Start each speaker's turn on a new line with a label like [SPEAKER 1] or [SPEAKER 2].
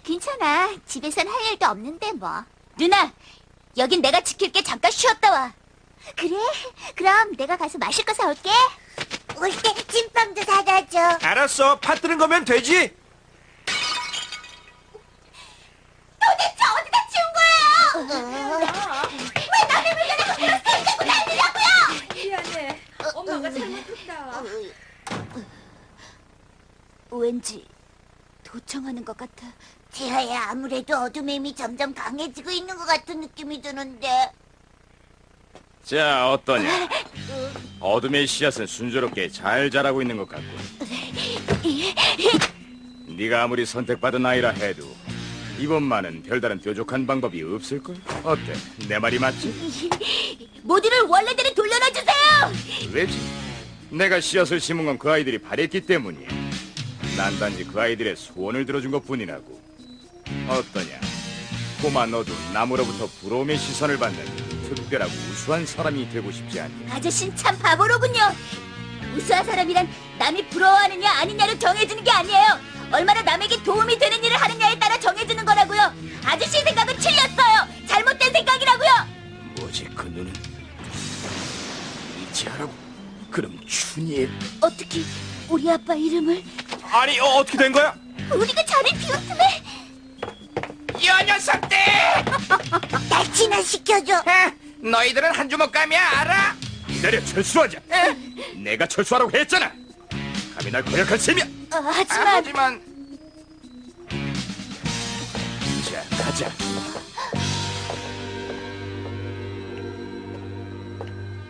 [SPEAKER 1] 괜찮아. 집에선 할 일도 없는데 뭐. 누나, 여긴 내가 지킬게. 잠깐 쉬었다 와. 그래? 그럼 내가 가서 마실 거 사올게.
[SPEAKER 2] 올 때 찐빵도 사다 줘.
[SPEAKER 3] 알았어. 파 뜨는 거면 되지.
[SPEAKER 1] 도대체 어디다 치운 거예요? 왜 남의 물건을 그대로 던지고 다니냐고요?
[SPEAKER 4] 미안해. 엄마가 잘못했다.
[SPEAKER 1] 왠지 도청하는 것 같아.
[SPEAKER 2] 지하야, 아무래도 어둠의 힘이 점점 강해지고 있는 것 같은 느낌이 드는데.
[SPEAKER 5] 자, 어떠냐? 어둠의 씨앗은 순조롭게 잘 자라고 있는 것 같고. 네가 아무리 선택받은 아이라 해도 이번만은 별다른 뾰족한 방법이 없을걸? 어때? 내 말이 맞지?
[SPEAKER 1] 모두를 원래대로 돌려놔주세요.
[SPEAKER 5] 왜지? 내가 씨앗을 심은 건 그 아이들이 바랬기 때문이야. 난 단지 그 아이들의 소원을 들어준 것뿐이라고. 어떠냐? 꼬마 너도 남으로부터 부러움의 시선을 받는 특별하고 우수한 사람이 되고 싶지 않니?
[SPEAKER 1] 아저씨는 참 바보로군요. 우수한 사람이란 남이 부러워하느냐 아니냐로 정해지는 게 아니에요. 얼마나 남에게 도움이 되는 일을 하느냐에 따라 정해지는 거라고요. 아저씨 생각은 틀렸어요. 잘못된 생각이라고요.
[SPEAKER 5] 뭐지 그 눈은? 이지하라고? 그럼 춘희의...
[SPEAKER 1] 어떻게 우리 아빠 이름을?
[SPEAKER 3] 아니, 어떻게 된 거야?
[SPEAKER 1] 우리가 자리 비웠음에.
[SPEAKER 6] 이 녀석들!
[SPEAKER 2] 날 진화시켜줘.
[SPEAKER 6] 너희들은 한 주먹 감이야, 알아?
[SPEAKER 5] 기다려, 철수하자. 내가 철수하라고 했잖아. 감히 날 거역할 셈이야.
[SPEAKER 1] 하지만
[SPEAKER 6] 하지만
[SPEAKER 5] 자, 가자.